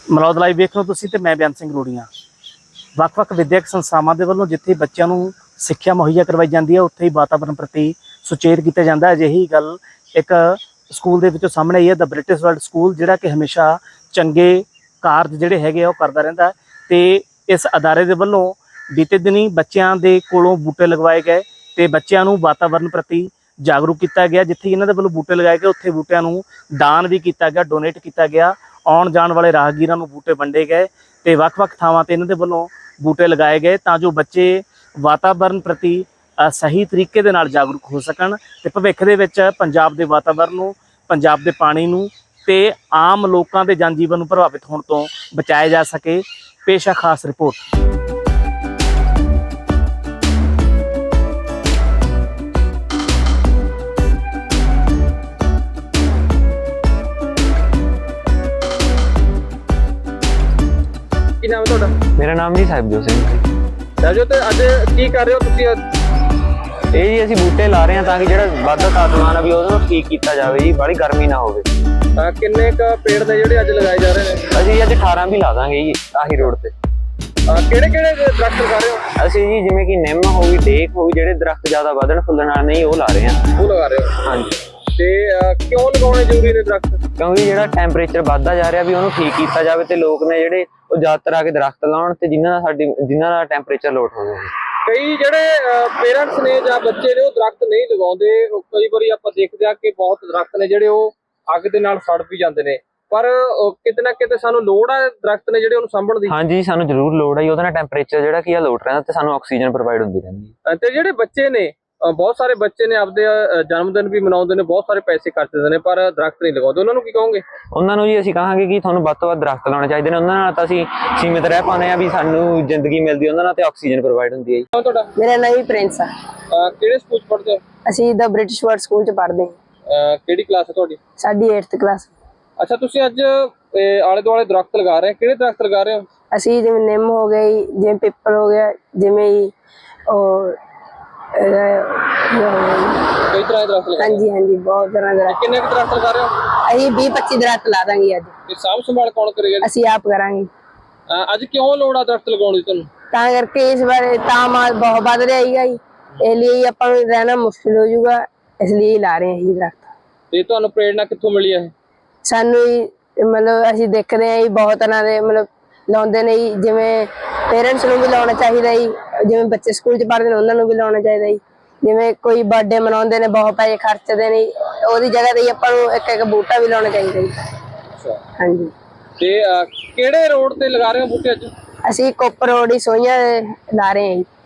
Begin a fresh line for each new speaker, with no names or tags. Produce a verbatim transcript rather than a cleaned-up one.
Malaud live ਵੇਖ ਲਓ ਤੁਸੀਂ ਤੇ ਮੈਂ ਬਿਆਨ ਸਿੰਘ ਰੋੜੀਆਂ। ਵੱਖ-ਵੱਖ ਵਿਦਿਅਕ ਸੰਸਥਾਵਾਂ ਦੇ ਵੱਲੋਂ ਜਿੱਥੇ ਬੱਚਿਆਂ ਨੂੰ ਸਿੱਖਿਆ ਮੁਹੱਈਆ ਕਰਵਾਈ ਜਾਂਦੀ ਹੈ ਉੱਥੇ ਹੀ ਵਾਤਾਵਰਣ ਪ੍ਰਤੀ ਸੁਚੇਤ ਕੀਤਾ ਜਾਂਦਾ। ਅਜਿਹੀ ਗੱਲ ਇੱਕ ਸਕੂਲ ਦੇ ਵਿੱਚੋਂ ਸਾਹਮਣੇ ਆਈ ਹੈ, ਦ ਬ੍ਰਿਟਿਸ਼ ਵਰਲਡ ਸਕੂਲ, ਜਿਹੜਾ ਕਿ ਹਮੇਸ਼ਾ ਚੰਗੇ ਕਾਰਜ ਜਿਹੜੇ ਹੈਗੇ ਆ ਉਹ ਕਰਦਾ ਰਹਿੰਦਾ। ਤੇ ਇਸ ਅਦਾਰੇ ਦੇ ਵੱਲੋਂ ਬੀਤੇ ਦਿਨੀ ਬੱਚਿਆਂ ਦੇ ਕੋਲੋਂ ਬੂਟੇ ਲਗਵਾਏ ਗਏ ਤੇ ਬੱਚਿਆਂ ਨੂੰ ਵਾਤਾਵਰਣ ਪ੍ਰਤੀ ਜਾਗਰੂਕ ਕੀਤਾ ਗਿਆ। ਜਿੱਥੇ ਇਹਨਾਂ ਦੇ ਵੱਲੋਂ ਬੂਟੇ ਲਗਾਏ ਗਏ ਉੱਥੇ ਬੂਟਿਆਂ ਨੂੰ ਦਾਨ ਵੀ ਕੀਤਾ ਗਿਆ, ਡੋਨੇਟ ਕੀਤਾ ਗਿਆ। ਆਉਣ ਜਾਣ ਵਾਲੇ ਰਾਹਗੀਰਾਂ ਨੂੰ ਬੂਟੇ ਵੰਡੇ ਗਏ ਤੇ ਵੱਖ-ਵੱਖ ਥਾਵਾਂ ਤੇ ਇਹਨਾਂ ਦੇ ਵੱਲੋਂ ਬੂਟੇ ਲਗਾਏ ਗਏ ਤਾਂ ਜੋ ਬੱਚੇ ਵਾਤਾਵਰਣ ਪ੍ਰਤੀ ਸਹੀ ਤਰੀਕੇ ਦੇ ਨਾਲ ਜਾਗਰੂਕ ਹੋ ਸਕਣ ਤੇ ਭਵਿੱਖ ਦੇ ਵਿੱਚ ਪੰਜਾਬ ਦੇ ਵਾਤਾਵਰਣ ਨੂੰ, ਪੰਜਾਬ ਦੇ ਪਾਣੀ ਨੂੰ ਤੇ ਆਮ ਲੋਕਾਂ ਦੇ ਜਨ ਜੀਵਨ ਨੂੰ ਪ੍ਰਭਾਵਿਤ ਹੋਣ ਤੋਂ ਬਚਾਇਆ ਜਾ ਸਕੇ। ਪੇਸ਼ ਹੈ ਖਾਸ ਰਿਪੋਰਟ।
ਕੀ ਨਾਮ ਹੈ ਤੁਹਾਡਾ?
ਮੇਰਾ ਨਾਮ ਜੀ ਸਾਹਿਬਜੋਤ ਸਿੰਘ ਜੀ।
ਸਾਹਿਬਜੋਤ, ਅੱਜ ਕੀ ਕਰ ਰਹੇ ਹੋ ਤੁਸੀਂ?
ਇਹ ਜੀ ਅਸੀਂ ਬੂਟੇ ਲਾ ਰਹੇ ਹਾਂ ਤਾਂ ਕਿ ਜਿਹੜਾ ਵੱਧਦਾ ਤਾਪਮਾਨ ਆ ਵੀ ਉਹਨੂੰ ਠੀਕ ਕੀਤਾ ਜਾਵੇ ਜੀ, ਬੜੀ ਗਰਮੀ ਨਾ ਹੋਵੇ।
ਕਿੰਨੇ ਕ ਪੇੜ ਨੇ ਜਿਹੜੇ ਅੱਜ ਲਗਾਏ ਜਾ ਰਹੇ ਨੇ?
ਅਸੀਂ ਅੱਜ ਅਠਾਰਾਂ ਵੀ ਲਾ ਦਾਂਗੇ ਜੀ ਆਹੀ ਰੋਡ ਤੇ।
ਕਿਹੜੇ ਕਿਹੜੇ ਦਰਖਤ ਲਗਾ ਰਹੇ ਹੋ?
ਅਸੀਂ ਜੀ ਜਿਵੇਂ ਕਿ ਨਿੰਮ ਹੋ ਗਈ, ਡੇਕ ਹੋ ਗਈ, ਜਿਹੜੇ ਦਰਖਤ ਜ਼ਿਆਦਾ ਵਧਣ ਫੁੱਲਣ ਵਾਲੇ ਨਹੀਂ ਉਹ ਲਾ ਰਹੇ ਹਾਂ।
ਉਹ ਲਗਾ ਰਹੇ ਹੋ?
ਹਾਂਜੀ।
ਤੇ ਕਿਉਂ ਲਗਾਉਣੇ ਜ਼ਰੂਰੀ ਨੇ ਦਰਖਤ?
ਕਿਉਂਕਿ ਜਿਹੜਾ ਟੈਂਪਰੇਚਰ ਵੱਧਦਾ ਜਾ ਰਿਹਾ ਵੀ ਉਹਨੂੰ ਠੀਕ ਕੀਤਾ ਜਾਵੇ ਤੇ ਲੋਕ ਨੇ ਜਿਹੜੇ ਉਹ ਜ਼ਿਆਦਾਤਰ ਆ ਕੇ ਦਰਖਤ ਲਾਉਣ ਤੇ ਜਿਨ੍ਹਾਂ ਦਾ ਸਾਡੀ ਜਿਨ੍ਹਾਂ ਦਾ ਟੈਂਪਰੇਚਰ ਲੋਟ ਹੋਵੇ।
ਕਈ ਜਿਹੜੇ ਪੇਰੈਂਟਸ ਨੇ ਜਾਂ ਬੱਚੇ ਨੇ ਉਹ ਦਰਖਤ ਨਹੀਂ ਲਗਾਉਂਦੇ। ਕਈ ਵਾਰੀ ਆਪਾਂ ਦੇਖਦੇ ਆ ਕਿ ਬਹੁਤ ਦਰਖਤ ਨੇ ਜਿਹੜੇ ਉਹ ਅੱਗ ਦੇ ਨਾਲ ਸੜ ਵੀ ਜਾਂਦੇ ਨੇ, ਪਰ ਕਿਤੇ ਨਾ ਕਿਤੇ ਸਾਨੂੰ ਲੋੜ ਆ ਦਰਖਤ ਨੇ ਜਿਹੜੇ ਉਹਨੂੰ ਸਾਂਭਣ ਦੀ।
ਹਾਂਜੀ, ਸਾਨੂੰ ਜ਼ਰੂਰ ਲੋੜ ਹੈ। ਉਹਦੇ ਨਾਲ ਟੈਂਪਰੇਚਰ ਜਿਹੜਾ ਕੀ ਆ ਲੋਟ ਰਹਿੰਦਾ ਤੇ ਸਾਨੂੰ ਆਕਸੀਜਨ ਪ੍ਰੋਵਾਈਡ ਹੁੰਦੀ ਰਹਿੰਦੀ ਹੈ।
ਤੇ ਜਿਹੜੇ ਬੱਚੇ ਨੇ, ਬਹੁਤ ਸਾਰੇ ਬੱਚੇ ਨੇ ਆਪਦੇ ਜਨਮ ਦਿਨ ਵੀ ਮਨਾਉਂਦੇ ਨੇ, ਬਹੁਤ ਸਾਰੇ ਪੈਸੇ ਖਰਚ ਦਿੰਦੇ ਨੇ ਪਰ ਦਰਖਤ ਨਹੀਂ ਲਗਾਉਂਦੇ, ਉਹਨਾਂ ਨੂੰ ਕੀ ਕਹੋਗੇ?
ਉਹਨਾਂ ਨੂੰ ਜੀ ਅਸੀਂ ਕਹਾਂਗੇ ਕਿ ਤੁਹਾਨੂੰ ਵੱਧ ਤੋਂ ਵੱਧ ਦਰਖਤ ਲਾਉਣੇ ਚਾਹੀਦੇ ਨੇ। ਉਹਨਾਂ ਨਾਲ ਤਾਂ ਅਸੀਂ ਸੀਮਿਤ ਰਹਿ ਪਾਉਂਦੇ ਆ ਵੀ ਸਾਨੂੰ ਜ਼ਿੰਦਗੀ ਮਿਲਦੀ, ਉਹਨਾਂ ਨਾਲ ਤੇ ਆਕਸੀਜਨ ਪ੍ਰੋਵਾਈਡ ਹੁੰਦੀ ਹੈ ਜੀ।
ਤੁਹਾਡਾ?
ਮੇਰਾ ਨਾਮ ਹੀ ਪ੍ਰਿੰਸ ਆ।
ਕਿਹੜੇ ਸਕੂਲ ਚ ਪੜ੍ਹਦੇ ਹੋ?
ਅਸੀਂ ਦ ਬ੍ਰਿਟਿਸ਼ ਵਰਲਡ ਸਕੂਲ ਚ ਪੜ੍ਹਦੇ ਹਾਂ।
ਕਿਹੜੀ ਕਲਾਸ ਹੈ ਤੁਹਾਡੀ?
ਸਾਡੀ ਅੱਠਵੀਂ ਕਲਾਸ।
ਅੱਛਾ, ਤੁਸੀਂ ਅੱਜ ਆਲੇ ਦੁਆਲੇ ਦਰਖਤ ਲਗਾ ਰਹੇ ਹੋ, ਕਿਹੜੇ ਦਰਖਤ ਲਗਾ ਰਹੇ ਹੋ?
ਅਸੀਂ ਜਿਵੇਂ ਨਿੰਮ ਹੋ ਗਈ, ਜਿਵੇਂ ਪਿੱਪਲ ਹੋ ਗਿਆ, ਜਿਵੇਂ ਉਹ
ਕਈ ਤਰ੍ਹਾਂ ਦੇ ਦਰਖਤ ਲਗਾ?
ਹਾਂਜੀ ਹਾਂਜੀ, ਬਹੁਤ ਤਰ੍ਹਾਂ ਦੇ।
ਕਿੰਨੇ ਕੁ ਦਰਖਤ ਲਗਾ ਰਹੇ ਹੋ?
ਅਸੀਂ ਵੀਹ ਪੱਚੀ ਦਰਖਤ ਲਾ ਦਾਂਗੇ ਅੱਜ।
ਤੇ ਸਾਂਭ ਸੰਭਾਲ ਕੌਣ ਕਰੇਗਾ?
ਅਸੀਂ ਆਪ ਕਰਾਂਗੇ।
ਅੱਜ ਕਿਉਂ ਲੋੜ ਆ ਦਰਖਤ ਲਗਾਉਣ ਦੀ ਤੁਹਾਨੂੰ?
ਤਾਂ ਕਰਕੇ ਇਸ ਬਾਰੇ ਤਾਪਮਾਨ ਬਹੁਤ ਵੱਧ ਰਿਹਾ ਹੈਗਾ ਜੀ, ਇਸ ਲਈ ਆਪਾਂ ਨੂੰ ਰਹਿਣਾ ਮੁਸ਼ਕਿਲ ਹੋ ਜਾਊਗਾ, ਇਸ ਲਈ ਲਾ ਰਹੇ ਹਾਂ ਜੀ ਦਰਖਤ।
ਤੇ ਤੁਹਾਨੂੰ ਪ੍ਰੇਰਨਾ ਕਿੱਥੋਂ ਮਿਲੀ ਹੈ?
ਸਾਨੂੰ ਮਤਲਬ ਅਸੀਂ ਦੇਖਦੇ ਹਾਂ ਜੀ ਬਹੁਤ ਤਰ੍ਹਾਂ ਦੇ ਮਤਲਬ ਲਾਉਂਦੇ ਨੇ ਜੀ, ਜਿਵੇਂ ਪੇਰੈਂਟਸ ਨੂੰ ਵੀ ਲਾਉਣਾ ਚਾਹੀਦਾ ਜੀ, ਜਿਵੇਂ ਬੱਚੇ ਸਕੂਲ ਚ ਪੜ੍ਹਦੇ ਨੇ ਉਹਨਾਂ ਨੂੰ ਵੀ ਲਾਉਣਾ ਚਾਹੀਦਾ ਜੀ। ਜਿਵੇਂ ਕੋਈ ਬਰਥਡੇ ਮਨਾਉਂਦੇ ਨੇ, ਬਹੁਤ ਪੈਸੇ ਖਰਚਦੇ ਨੇ, ਉਹਦੀ ਜਗ੍ਹਾ ਤੇ ਆਪਾਂ ਨੂੰ ਇੱਕ ਇੱਕ ਬੂਟਾ ਵੀ ਲਾਉਣਾ ਚਾਹੀਦਾ ਜੀ। ਹਾਂਜੀ।
ਤੇ ਕਿਹੜੇ ਰੋਡ ਤੇ ਲਗਾ ਰਹੇ ਹੋ ਬੂਟੇ ਅੱਜ?
ਅਸੀਂ ਕੋਪਰ ਰੋਡ ਹੀ ਸੋਈਆਂ ਲਾ ਰਹੇ ਹਾਂ ਜੀ।